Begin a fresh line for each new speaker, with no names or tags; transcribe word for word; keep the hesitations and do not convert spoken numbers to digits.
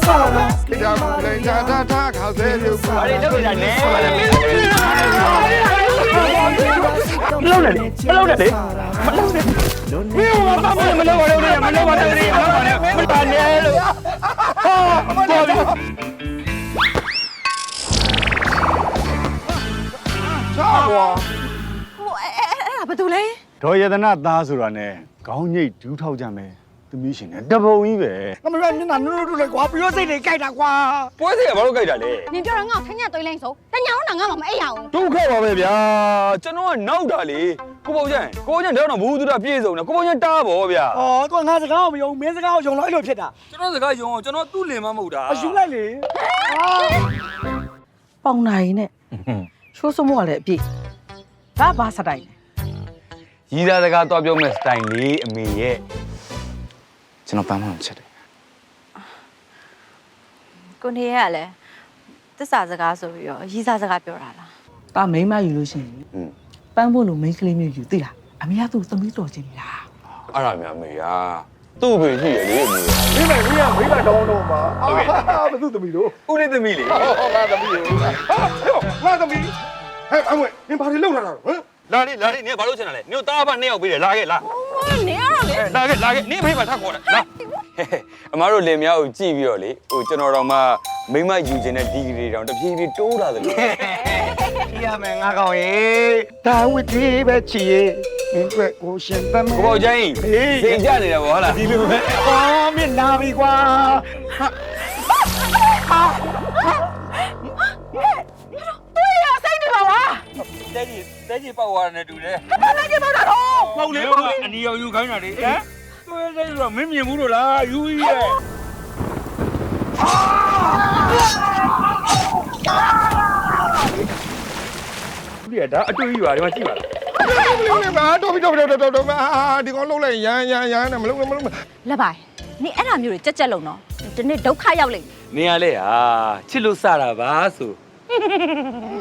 ဒီကမလေးချာတာတာခါစဲလို့ပါလေလောက်ရနေ
မလုပ်နဲ့မလုပ်နဲ့လေမလုပ်နဲ့မင်းကဘာမှမလုပ်ပါနဲ့မလုပ်ပါနဲ့မလုပ်ပါနဲ့မလုပ်ပါနဲ့လို့ဟာတော်ပြီ
ချာကွာ
ဟိုအဲ့အဲ့ဒါဘာတူလဲ
ဒေါ်ရတနာသားဆိုတာနဲ့ခေါင်းညိတ်ဒူးထောက်ကြမယ်သမီးရှင်နဲ့တပုံကြီးပဲ
ငါမရမျက်နှာနုနုတူလေကွာပြီးတော့စိတ်တွေကြိုက်တာကွာ
ပွဲစိတ်ကဘာလို့ကြိုက်တာလဲ
နင်ပြောတော့ငါ့ကိုခညသွေးလိုက်ဆိုတညာတော့ငါမှမအိပ်ရအောင်
ဒုက္ခပါပဲဗျာကျွန်တော်ကနောက်တာလေကိုပုံချန်ကိုချန်တော့ဘူးသူတာပြည့်စုံတယ်ကိုပုံချန်တားပါဗျာ
ဩသူကငါစကားကိုမယုံမင်းစကားကိုယုံလို့အဲ့လိုဖြစ်တာ
ကျွန်တော်စကားယုံအောင်ကျွန်တော်သူ့လင်မမဟုတ်တာ
အယူလိုက်လေ
ပေါင်နိုင်နဲ့ရှိုးစမိုးကလည်းအပြည့်ဒါဘာစတိုင်
လဲရီးသားစကားတော့ပြောမဲ့စတိုင်လေးအမေရဲ့ကျွန်တော်ပန်းမအောင်ချက်တယ်
ကိုနေရလည်းသစ္စာစကားဆိုပြီးတော့ရီးစားစကားပြောတာလား
ဒါမိန်းမယူလို့ရှိရင်ပန်းဖို့လို့မိန်းကလေးမျိုးယူသိလားအမေကသူ့သမီးတော်ချင်းလား
အဲ့ဒါများမေယာသူ့ဘေရှိရလေအမေ
ဒီမဲ့ကြီးကမိဘတောင်းတော့မှာအာဘသူသမီးတို့
ဦးလေးသမီးလေ
ဟောငါသမီးရောငါသမီးဟဲ့အမွေနင်ဘာတွေလုပ်လာတာဟမ်
လာလေလာလေနင်ဘာလို့ချင်တာလဲနင်တို့တားဖနှစ်ယောက်ပေးတယ်လာခဲ့လာ
နေရတော့လေ
လာခဲ့လာခဲ့နင်ဖေးမှာထပ်ခေါ်တယ်လာအမားတို့လင်မယားကိုကြည့်ပြီးတော့လေဟိုကျွန်တော်တော့မှမိမယူခြင်းတဲ့ဒီဂရီတောင်တဖြည်းဖြည်းတိုးလာတယ်လို့
ရမယ်ငါကောင်ရေဒါဝစ်ဒီပဲချီရေမင်းတွေ့ကိုရှင်သမ်း
ကိုပေါ့ကျင်းစိတ်ကြနေတယ်ဗောဟုတ်လား
ဒီလိုပဲအော်မြင်လာပြီကွာဟာဟာ
တွေ့ရစိတ်နေပါလား
တဲကြီးတဲကြီးပောက်သွားတယ်တူတယ်
ဘာလဲကြပါတော့
ပေါ့လေအနီရောင်ယူခိုင်းတာလေဟမ်တွေ့တယ်ဆိုတော့မင်းမြင်ဘူးလို့လားယူကြီးရဲ့ဒီကဒါအတွေ့အကြုံရွာဒီမှာကြည့်ပါလား
လုံးနေပါတော့ပြီးတော့တော့တော့တော့အာဒီကောင်လုံးလိုက်ရမ်းရမ်းရမ်းနဲ့မလုံးနဲ့မလုံးနဲ့
လက်ပိုင်နင်အဲ့ဒါမျိုးတွေကြက်ကြက်လုံးတော့ဒီနေ့ဒုက္ခရောက်လိမ့်
မယ်နေရလေဟာချစ်လို့စတာပါဆို